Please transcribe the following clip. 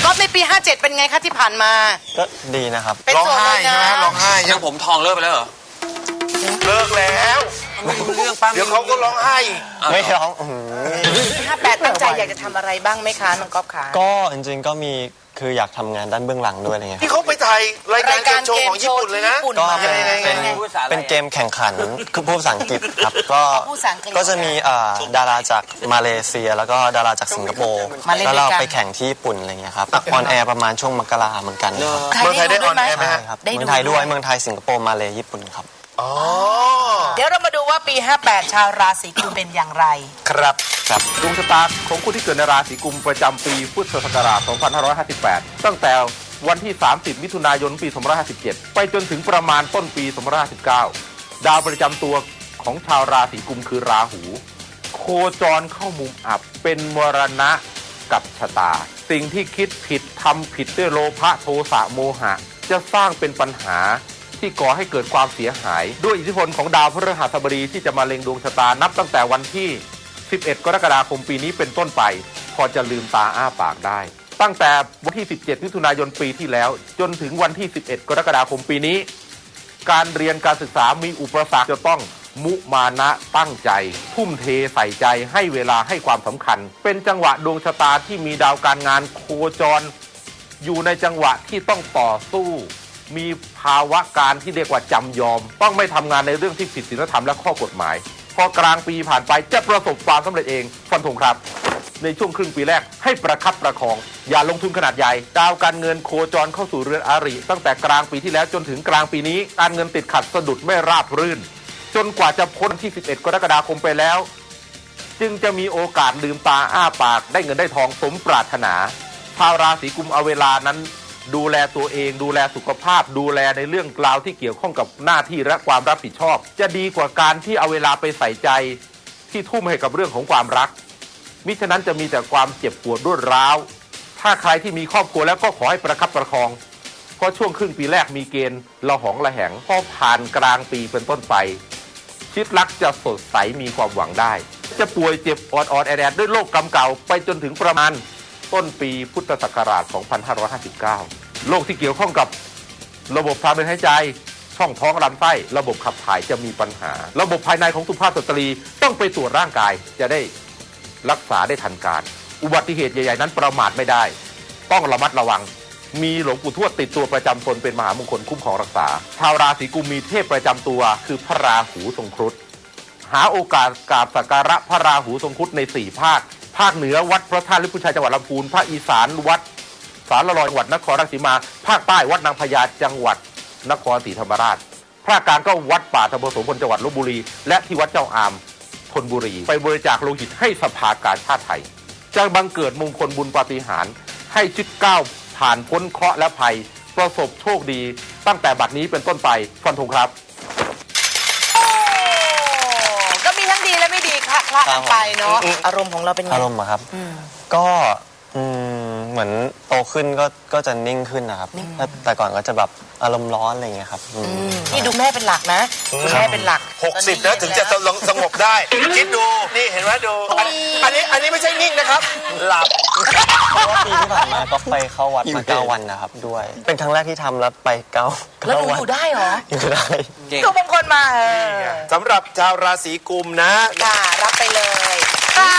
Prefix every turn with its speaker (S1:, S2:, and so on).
S1: ก๊อฟในปี 57 เป็นไงคะที่ผ่านมา
S2: ก็ดีนะครับ
S1: เป็น
S3: ร้อง
S1: โสด
S3: ไห้
S1: เลย
S3: ใช่ไหม
S1: นะ
S3: ร้องไห้
S4: ยังผมทองเลิกไปแล้วเหรอ
S3: เลิกแล้ว
S4: ไม่รู้เรื่องป้า
S3: เดี๋ยวเขาก็ร้องไห้
S2: ไม่ร้อง
S1: ปี58ตั้งใจอยากจะทำอะไรบ้างไหมคะน้องก๊อฟคะ
S2: ก็จริงๆก็มีคืออยากทำงานด้านเบื้องหลังด้วยอะไรเงี้ย
S3: ที่เขาไปถ่ายรายการเกมโชว์ของญี่ปุ่นเลยนะ
S2: ก็
S1: มา
S2: เป็นเกมแข่งขันคือพูดภาษาอังกฤษครับก็
S1: พูดภาษาอังกฤษ
S2: ก็จะมีดาราจากมาเลเซีย แล้วก็ดาราจากสิงคโปร์แล้วเราไปแข่งที่ญี่ปุ่นอะไรเงี้ยครับออนแอร์ประมาณช่วงมกราเหมือนกันครับ
S3: เมืองไทยได้ออนแอร์ไหม
S2: ใช่
S3: ฮะ
S2: ครับเมืองไทยด้วยเมืองไทยสิงคโปร์มาเลญี่ปุ่นครับ
S3: อ๋อ
S1: เดี๋ยวเรามาดูว่าปี 58 ชาวราศีกุมเป็นอย่างไร
S3: ครับ
S5: ดวงชะตาของผู้ที่เกิดในราศีกุมประจำปีพุทธศักราช 2558 ตั้งแต่วันที่ 30 มิถุนายน ปี 2557 ไปจนถึงประมาณต้นปี 2559 ดาวประจำตัวของชาวราศีกุมคือราหู โคจรเข้ามุมอับเป็นมรณะกับชะตา สิ่งที่คิดผิดทำผิดด้วยโลภะโทสะโมหะ จะสร้างเป็นปัญหาที่ก่อให้เกิดความเสียหาย ด้วยอิทธิพลของดาวพฤหัสบดีที่จะมาเล็งดวงชะตานับตั้งแต่วันที่ 11 กรกฎาคมปีนี้เป็นต้นไปพอจะลืมตาอ้าปากได้ตั้งแต่วันที่ 17 มิถุนายนปีที่แล้วจนถึงวันที่ 11 กรกฎาคมปีนี้การเรียนการศึกษามีอุปสรรคจะต้องมุมานะตั้งใจทุ่มเทใส่ใจให้เวลาให้ความสำคัญเป็นจังหวะดวงชะตาที่มีดาวการงานโคจรอยู่ในจังหวะที่ต้องต่อสู้มีภาวะการที่เรียกว่าจำยอมต้องไม่ทำงานในเรื่องที่ผิดศีลธรรมและข้อกฎหมายพอกลางปีผ่านไปจะประสบความสำเร็จเองฟันธงครับในช่วงครึ่งปีแรกให้ประคับประคองอย่าลงทุนขนาดใหญ่ดาวการเงินโคจรเข้าสู่เรือนอาริตั้งแต่กลางปีที่แล้วจนถึงกลางปีนี้การเงินติดขัดสะดุดไม่ราบรื่นจนกว่าจะพ้นที่ 11 กรกฎาคมไปแล้วจึงจะมีโอกาสลืมตาอ้าปากได้เงินได้ทองสมปรารถนาชาวราศีกุมเอาเวลานั้นดูแลตัวเองดูแลสุขภาพดูแลในเรื่องราวที่เกี่ยวข้องกับหน้าที่และความรับผิดชอบจะดีกว่าการที่เอาเวลาไปใส่ใจที่ทุ่มให้กับเรื่องของความรักมิฉะนั้นจะมีแต่ความเจ็บปวดรวดร้าวถ้าใครที่มีครอบครัวแล้วก็ขอให้ประคับประคองเพราะช่วงครึ่งปีแรกมีเกณฑ์ละหองละแหงพอผ่านกลางปีเป็นต้นไปชีวิตรักจะสดใสมีความหวังได้จะป่วยเจ็บออดๆแอดๆด้วยโรคกรรมเก่าไปจนถึงประมาณต้นปีพุทธศักราช 2559 โรคที่เกี่ยวข้องกับระบบทางเดินหายใจช่องท้องลำไส้ระบบขับถ่ายจะมีปัญหาระบบภายในของสุภาพสตรีต้องไปตรวจร่างกายจะได้รักษาได้ทันการอุบัติเหตุใหญ่ๆนั้นประมาทไม่ได้ต้องระมัดระวังมีหลวงปู่ทวดติดตัวประจำตนเป็นมหามงคลคุ้มครองรักษาชาวราศีกุมมีเทพประจำตัวคือพระราหูทรงครุฑหาโอกาสกราบสักการะพระราหูทรงครุฑใน4 ภาคภาคเหนือวัดพระธาตุลิพุชัยจังหวัดลำพูนภาคอีสานวัดสารลอยจังหวัดนครราชสีมาภาคใต้วัดนางพญาจังหวัดนครศรีธรรมราชภาคกลางก็วัดป่าธรรมโสพลจังหวัดลพบุรีและที่วัดเจ้าอามธนบุรีไปบริจาคโลหิตให้สภากาชาติไทยจะบังเกิดมงคลบุญปาฏิหาริย์ให้ชีวิตก้าวผ่านพ้นเคราะห์และภัยประสบโชคดีตั้งแต่บัดนี้เป็นต้นไปฟันธงครับ
S1: ก็มีทั้งดีและไม่ดีคละกันไปเนาะอารมณ์ของเราเป็นไง
S2: อารมณ์อะครับก็เหมือนโตขึ้นก็จะนิ่งขึ้นนะครับแต่ก่อนก็จะแบบอารมณ์ร้อนอะไรเงี้ยครับ
S1: นี่ดูแม่เป็นหลักนะดูแม่เป็นหลัก
S3: 60นะถึงจะสงบได้คิดดูนี่เห็นไหมดูอันนี้ไม่ใช่นิ่งนะครับหลับ
S2: เพราะว่าปีที่ผ่านมาก็ไปเข้าวัดมา9 วันนะครับด้วยเป็นครั้งแรกที่ทำแล้วไป9
S1: แล้วหนู
S2: วัน
S1: อยู่ได้เหรอ
S2: อยู่ได้
S1: ดูบางคนมา
S3: สำหรับชาวราศีกุมนะ
S1: รับไปเลย